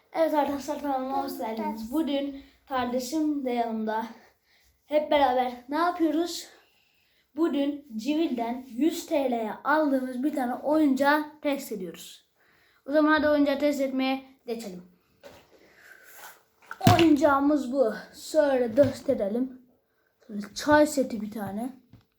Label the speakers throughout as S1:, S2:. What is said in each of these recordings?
S1: Evet arkadaşlar, kanalıma hoş geldiniz. Bugün kardeşim de yanımda. Hep beraber ne yapıyoruz? Bugün Civil'den 100 TL'ye aldığımız bir tane oyuncağı test ediyoruz. O zaman hadi oyuncağı test etmeye geçelim. Oyuncağımız bu. Şöyle gösterelim. Şöyle çay seti bir tane.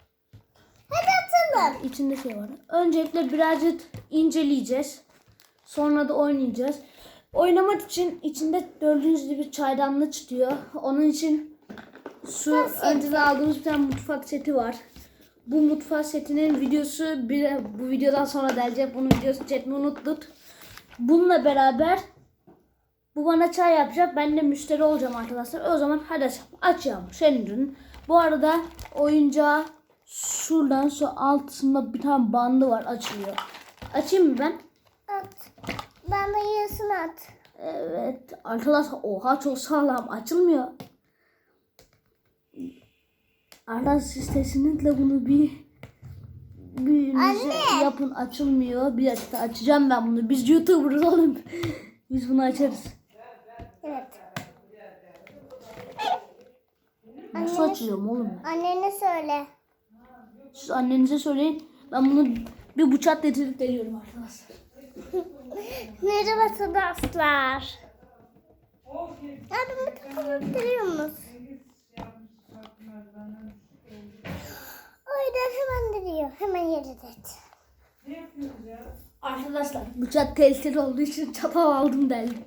S2: Hadi atalım.
S1: İçinde şey var. Öncelikle birazcık inceleyeceğiz. Sonra da oynayacağız. Oynamak için içinde gördüğünüz gibi çaydanlık çıkıyor. Onun için önceden aldığımız bir tane mutfak seti var. Bu mutfak setinin videosu bu videodan sonra gelecek. Bunun videosu çekmeyi unuttuk. Bununla beraber bu bana çay yapacak. Ben de müşteri olacağım arkadaşlar. O zaman hadi açalım. Senin ürünün. Bu arada oyuncağı şuradan şu altında bir tane bandı var, açılıyor. Açayım mı ben?
S2: At. Ben de yarısını at.
S1: Evet arkadaşlar, oha çok sağlam, açılmıyor. Arkadaşlar siz kesinlikle bunu bir yapın, açılmıyor. Bir dakika, açacağım ben bunu. Biz YouTuber'ız oğlum. Biz bunu açarız.
S2: Evet.
S1: Nasıl açılıyorum oğlum ben?
S2: Annene söyle.
S1: Siz annenize söyleyin. Ben bunu bir bıçak getirip deliyorum arkadaşlar.
S2: Merhaba arkadaşlar. Yardım ettiriyor musun? O yüzden hemen duruyor. Hemen yere et.
S1: Arkadaşlar bıçak tehlikeli olduğu için çatal aldım deldim.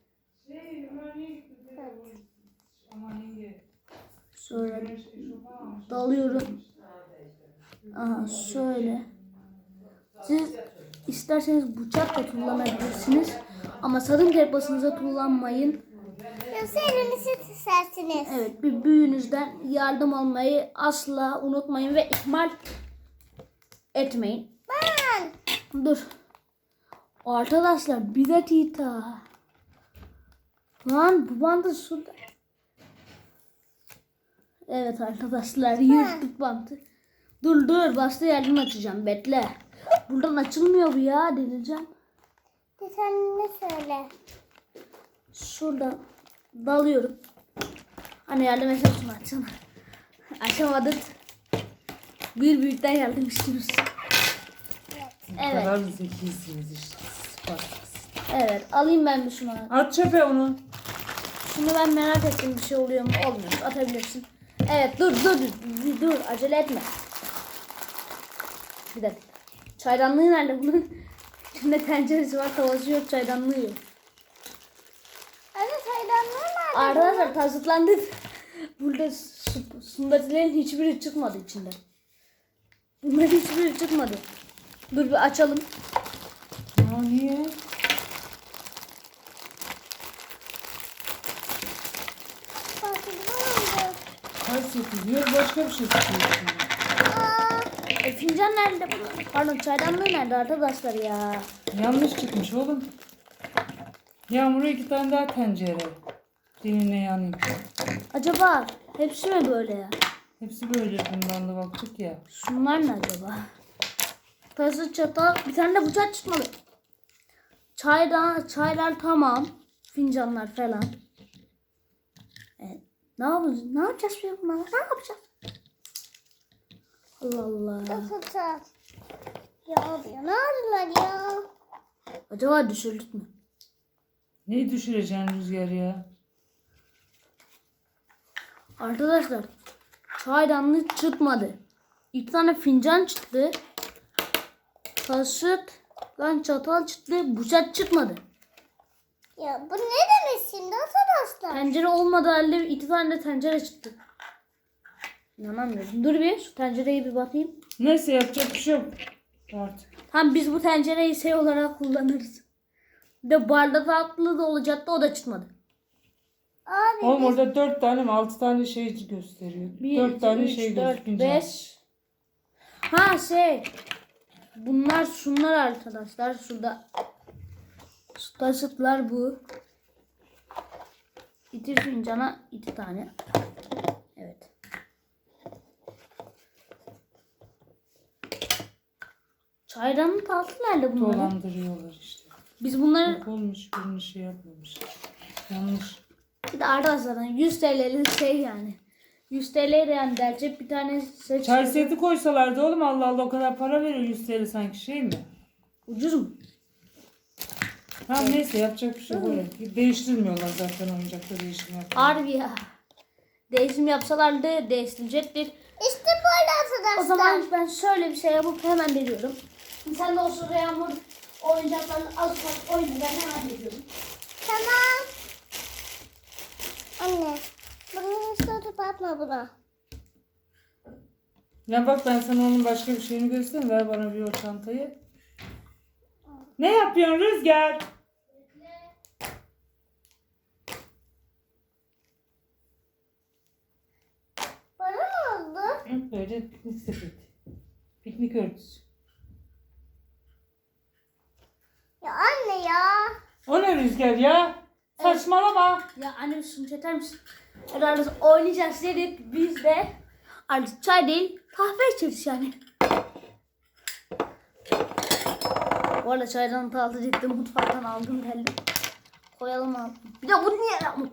S1: Sonra dalıyorum. Aha şöyle. Siz isterseniz bıçak da kullanabilirsiniz. Ama sakın kepasınıza kullanmayın.
S2: Yoksa elinizi istersiniz.
S1: Evet, bir büyüğünüzden yardım almayı asla unutmayın ve ihmal etmeyin.
S2: Ben.
S1: Dur. Arkadaşlar bir dakika. Lan bu bandı suda. Evet arkadaşlar, yırttık bandı. Dur başta yerden açacağım, bekle. Buradan açılmıyor bu ya, deneyeceğim.
S2: Sen ne söyle?
S1: Şuradan dalıyorum. Hani yardım etsene, açsana. Açamadık. Bir büyükten yardım istiyoruz.
S3: Ne kadar zekisiniz işte.
S1: Evet, alayım ben bir şunu.
S3: At çöpe onu.
S1: Şunu ben merak ettim, bir şey oluyor mu? Olmuyor. Atabilirsin. Evet, dur, acele etme. Bir dakika. Çaydanlığı nerede bunun? İçinde tenceresi var, tavası yok, çaydanlığı yok.
S2: Anne çaydanlığı nerede?
S1: Arkadaşlar tasıtlandık. Burada sundatilerin hiçbiri çıkmadı içinden. Bunların hiçbiri çıkmadı. Dur bir açalım.
S3: Ya niye? Kaç sekiz diyor, başka bir şey tutuyorsun.
S1: Fincan nerede bunun? Pardon, çaydanlığı nerede arkadaşlar ya?
S3: Yanlış çıkmış oğlum. Yağmur'a 2 tane daha tencere. Diline yanayım.
S1: Acaba hepsi mi böyle ya?
S3: Hepsi böyle, bundan da baktık ya.
S1: Şunlar ne acaba? Tası, çatal, bir tane de bıçak çıkmalı. Çaylar tamam. Fincanlar falan. Evet. Ne yapacağız? Ne yapacağız biz bunlarla? Ne yapacağız? Allah Allah.
S2: Nasıl Ya ne arıyorlar ya?
S1: Acaba düşürdük mü?
S3: Neyi düşüreceksin Rüzgar ya?
S1: Arkadaşlar çaydanlık çıkmadı. 2 tane fincan çıktı. Kaşık, çatal çıktı. Bıçak çıkmadı.
S2: Ya bu ne demek şimdi arkadaşlar?
S1: Tencere olmadı halde 2 tane de tencere çıktı. İnanamıyorum. Dur bir şu tencereyi bir bakayım.
S3: Neyse, yapacak bir şey yok artık.
S1: Tamam, biz bu tencereyi şey olarak kullanırız. Bir de bardak altlı da olacaktı, o da çıkmadı.
S2: Abi
S3: Oğlum orada 4 tane mi 6 tane şey gösteriyor. 4 tane şey
S1: 4,
S3: gözükünce.
S1: 5. Ha şey. Bunlar şunlar arkadaşlar. Şurada. Şu taşıtlar bu. 2 fincana 2 tane. Evet. Çaydanın tatlı nerede bunların?
S3: Dolandırıyorlar işte.
S1: Biz bunları
S3: Yok olmuş, birini şey yapmamış. Yanlış.
S1: bir de arkadaşlar 100 TL'lik şey yani. 100 TL yani dercek bir tane seç.
S3: Çay seti koysalardı oğlum, Allah Allah, o kadar para veriyor 100 TL sanki, şey mi?
S1: Ucuz mu?
S3: Tamam neyse, yapacak bir şey yok. Değiştirmiyorlar zaten, oyuncakta değişim yapıyor.
S1: Harbi ya. Değişim yapsalardı değiştirecektir.
S2: İşte böyle arkadaşlar.
S1: O zaman ben şöyle bir şey yapıp hemen veriyorum. Sen de o sırada Yağmur oyuncaklarını az ufak oyunu ben hemen veriyorum.
S2: Tamam. Anne. Bunu hiç tutup atma buna.
S3: Ya bak, ben sana onun başka bir şeyini göstereyim. Ver bana bir o çantayı. Ne yapıyorsun Rüzgar?
S2: Bana ne oldu?
S3: Böyle piknik sepeti. Piknik örtüsü.
S2: Ya anne ya.
S3: O ne Rüzgar ya? Saçmalama.
S1: Ya anne şunu çeker misin? Herhalde oynayacağız dedik biz de artık çay değil kahve içeriz yani. Bu arada çaydan tatlı ciddi mutfaktan aldım geldim. Koyalım abi. Bir de bunu niye yapmadın?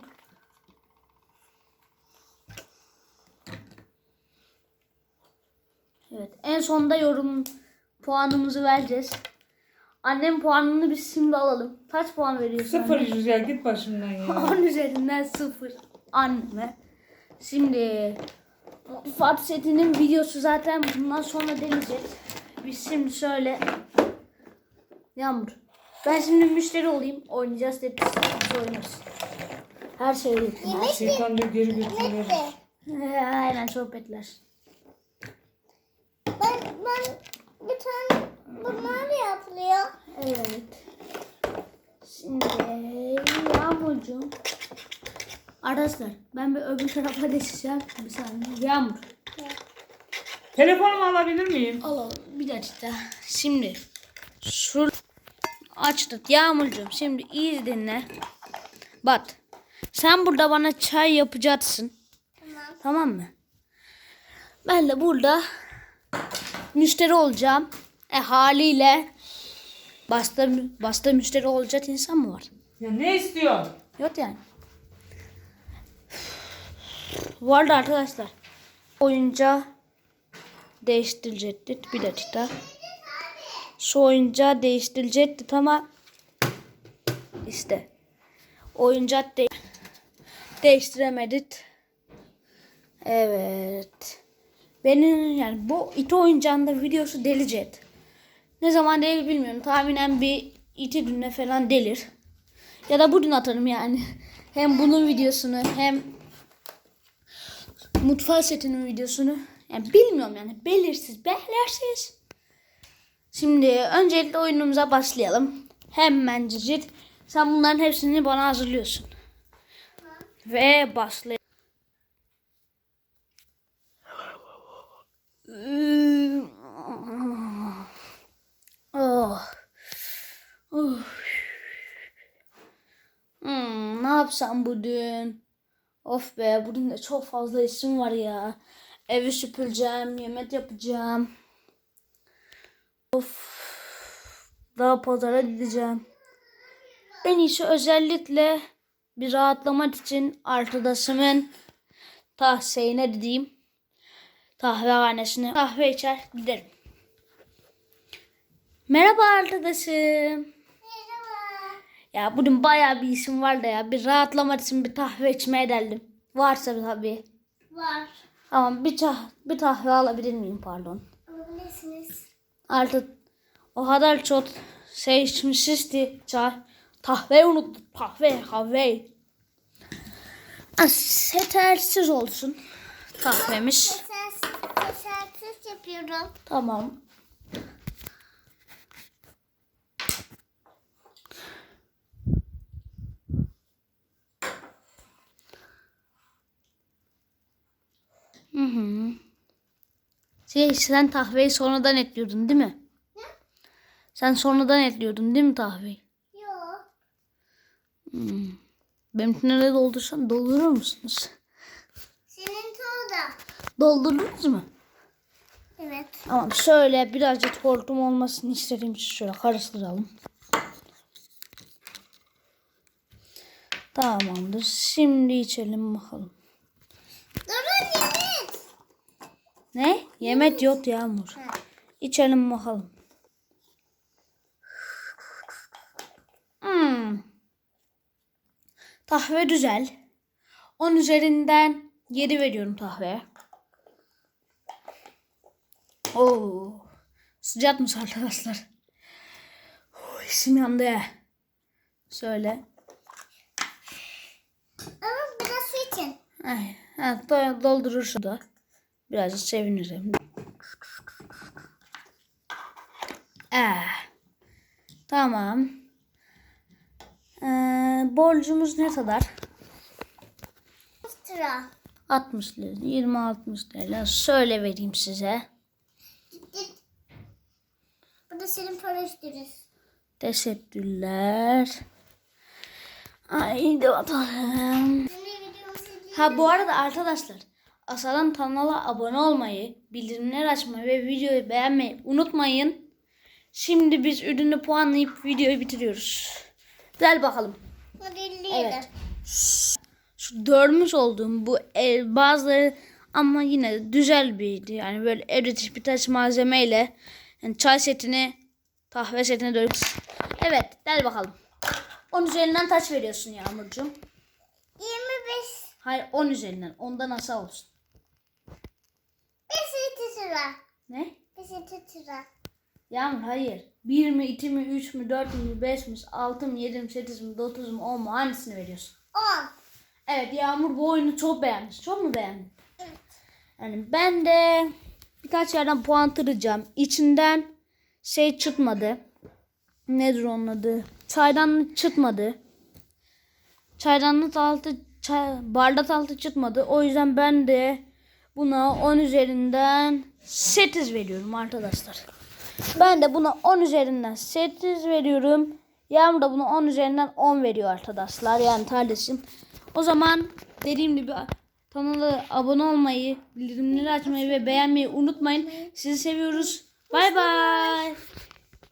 S1: Evet, en sonunda yorum puanımızı vereceğiz. Annem puanını biz şimdi alalım. Kaç puan veriyorsun?
S3: 0
S1: anne?
S3: Rüzgar, git başımdan ya.
S1: 10 üzerinden 0 anneme. Şimdi Fatih setinin videosu zaten bundan sonra deneyeceğiz. Biz şimdi şöyle Yağmur. Ben şimdi müşteri olayım. Oynayacağız hep biz oynarız. Her şeyi yapayım.
S3: Şeytan diyor, geri götürüyor.
S1: Aynen sohbetler.
S2: Ben bir tane bunlar yapılıyor.
S1: Evet. Şimdi Yağmurcuğum. Arkadaşlar ben bir öbür tarafa geçeceğim. Bir saniye. Yağmur.
S3: Telefonumu alabilir miyim?
S1: Alalım bir dakika. Şimdi şu açtık Yağmurcuğum. Şimdi iyi dinle. Bak. Sen burada bana çay yapacaksın.
S2: Tamam.
S1: Tamam mı? Ben de burada müşteri olacağım. Haliyle basta müşteri olacak insan mı var?
S3: Ya ne istiyorsun?
S1: Yok yani. Bu arada arkadaşlar oyuncağı değiştirecekti. Bir dakika. Şu oyuncağı değiştirecekti ama işte oyuncak değiştiremedik. Evet. Benim yani bu iti oyuncağında videosu delicet. Ne zaman değil bilmiyorum. Tahminen bir 2 günde falan delir. Ya da bugün atarım yani. Hem bunun videosunu hem mutfak setinin videosunu. Yani bilmiyorum yani. Belirsiz. Şimdi öncelikle oyunumuza başlayalım. Hemen cicit. Sen bunların hepsini bana hazırlıyorsun. Ve başlayalım. Oh. Oh. Ne yapsam bugün? Of be, bugün de çok fazla işim var ya. Evi süpüreceğim, yemek yapacağım. Of. Daha pazara gideceğim. En iyisi özellikle bir rahatlamak için arkadaşımın tahsiyine gideyim. Kahvehanesine kahve içer giderim. Merhaba arkadaşım.
S2: Merhaba.
S1: Ya bugün bayağı bir işim var da ya. Bir rahatlamak için bir kahve içmeye geldim. Varsa tabii.
S2: Var.
S1: Ama bir kahve alabilir miyim pardon.
S2: Alabilirsiniz.
S1: Artık o kadar çok şey içmişiz ki çay. Kahveyi unuttuk. Kahve. Yetersiz olsun kahvemiz.
S2: Teşekkür yapıyorum.
S1: Tamam. Hı. Sen kahveyi sonradan ekliyordun değil mi?
S2: Ne?
S1: Sen sonradan ekliyordun değil mi kahveyi?
S2: Yok.
S1: Benimkine de doldurur musunuz?
S2: Senin tuğda.
S1: Doldurdunuz mu?
S2: Evet.
S1: Tamam, şöyle birazcık hortum olmasını istediğim için şöyle karıştıralım. Tamamdır. Şimdi içelim bakalım.
S2: Durun yemek.
S1: Ne? Yemek yok Yağmur. İçelim bakalım. Kahve güzel. 10 üzerinden 7 veriyorum kahveye. Oo. Sıcakmış arkadaşlar. İçim yandı ya. Şöyle.
S2: Ama biraz su için.
S1: Ay, doldurur şurada. Birazcık sevinirim. Tamam. Borcumuz ne kadar?
S2: Sıra.
S1: 60 lira. 20-60 lira. Şöyle vereyim size.
S2: Bu da senin para üstünüz.
S1: Teşekkürler. Haydi bakalım. Ha bu arada arkadaşlar, Asalan kanala abone olmayı, bildirimler açmayı ve videoyu beğenmeyi unutmayın. Şimdi biz ürünü puanlayıp videoyu bitiriyoruz. Gel bakalım.
S2: Hadi elleyelim.
S1: Evet. Şu görmüş olduğum bu bazıları ama yine de güzel biriydi. Yani böyle evde birkaç malzemeyle yani çay setini, kahve setine dönüyoruz. Evet, gel bakalım. 10 üzerinden kaç veriyorsun Yağmurcuğum?
S2: 25.
S1: Hayır, 10 üzerinden. Ondan aşağı olsun.
S2: 5 sıra.
S1: Ne?
S2: 5 sıra.
S1: Yağmur hayır. 1 mi, 2 mi, 3 mü, 4 mü, 5 mi, 6 mı, 7 mi, 8 mi, 9 mu, 10 mu? Hangisini veriyorsun?
S2: 10.
S1: Evet, Yağmur bu oyunu çok beğenmiş. Çok mu beğendin?
S2: Evet.
S1: Yani ben de birkaç yerden puan kıracağım. İçinden şey çıkmadı. Nedir onun adı? Çaydanlık çıkmadı. Çaydanlık altı, bardak altı çıkmadı. O yüzden ben de buna 10 üzerinden 8 veriyorum arkadaşlar. Ben de buna 10 üzerinden 8 veriyorum. Yağmur da buna 10 üzerinden 10 veriyor arkadaşlar. Yani kardeşim. O zaman dediğim gibi kanala abone olmayı, bildirimleri açmayı ve beğenmeyi unutmayın. Sizi seviyoruz. Bay bay.